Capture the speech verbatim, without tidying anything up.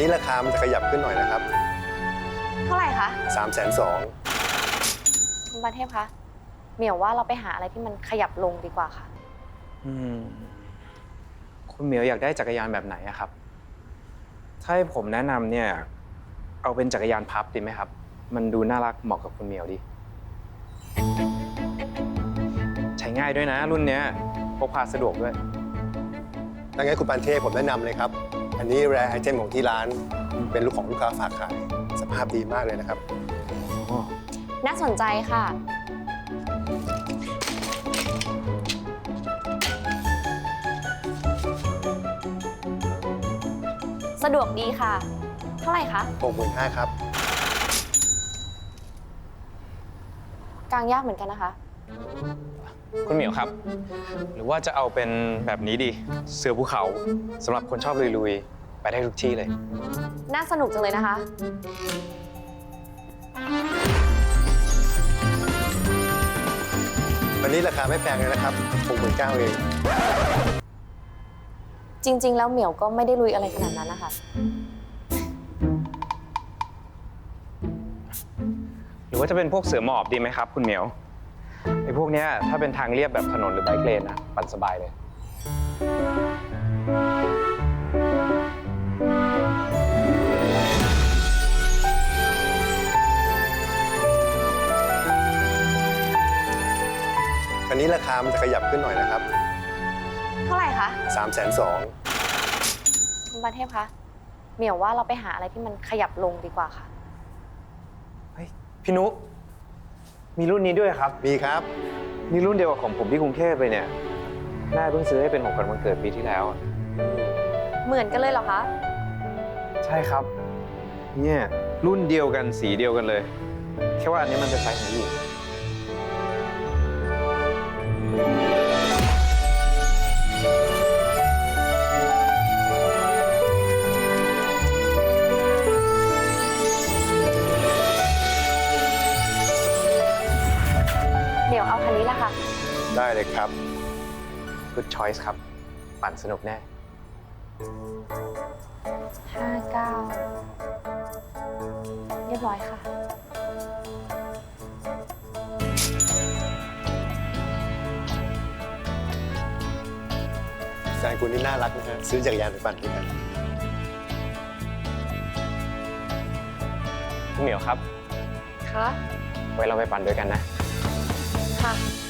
นี้ราคามันจะขยับขึ้นหน่อยนะครับเท่าไหร่คะสามแสนสองคุณปานเทพคะเหมียวว่าเราไปหาอะไรที่มันขยับลงดีกว่าค่ะอืมคุณเหมียวอยากได้จักรยานแบบไหนอะครับ ถ้าให้ผมแนะนำเนี่ย เอาเป็นจักรยานพับดีไหมครับ มันดูน่ารักเหมาะกับคุณเหมียวดี ใช้ง่ายด้วยนะ รุ่นเนี้ยพกพาสะดวกด้วยดังนั้นคุณปานเทพผมแนะนำเลยครับ อันนี้แรร์ไอเทมของที่ร้าน เป็นลูกของลูกค้าฝากขาย สภาพดีมากเลยนะครับน่าสนใจค่ะ สะดวกดีค่ะ เท่าไหร่คะหกหมื่นห้าครับกลางยากเหมือนกันนะคะคุณเหมียวครับ หรือว่าจะเอาเป็นแบบนี้ดี เสือภูเขาสำหรับคนชอบลุยๆ ไปได้ทุกที่เลยน่าสนุกจังเลยนะคะวันนี้ราคาไม่แพงเลยนะครับ หกหมื่นเก้า เองจริง ๆ แล้วเหมียวก็ไม่ได้ลุยอะไรขนาดนั้นนะคะหรือว่าจะเป็นพวกเสือหมอบดีไหมครับ คุณเหมียวไอ้พวกเนี้ยถ้าเป็นทางเรียบแบบถนนหรือไบค์เลนนะปั่นสบายเลยอันนี้ราคามันจะขยับขึ้นหน่อยนะครับเท่าไหร่คะสามแสนสองคุณปานเทพคะเหมียวว่าเราไปหาอะไรที่มันขยับลงดีกว่าค่ะเฮ้ยพี่นุมีรุ่นนี้ด้วยครับมีครับมีรุ่นเดียวกับของผมที่กรุงเทพเลยเนี่ยแม่เพิ่งซื้อให้เป็นของขวัญวันเกิดปีที่แล้วอะเหมือนกันเลยเหรอคะใช่ครับ เนี่ยรุ่นเดียวกันสีเดียวกันเลย แค่ว่าอันนี้มันเป็นไซส์ของผู้หญิงเหมียวเอาคันนี้แหละค่ะได้เลยครับ Good choice ครับ ปั่นสนุกแน่ห้าเก้า เรียบร้อยค่ะแฟนคุณนี่น่ารักนะฮะ ซื้อจักรยานไปปั่นด้วยกันคุณเหมียวครับค่ะไว้เราไปปั่นด้วยกันนะค่ะ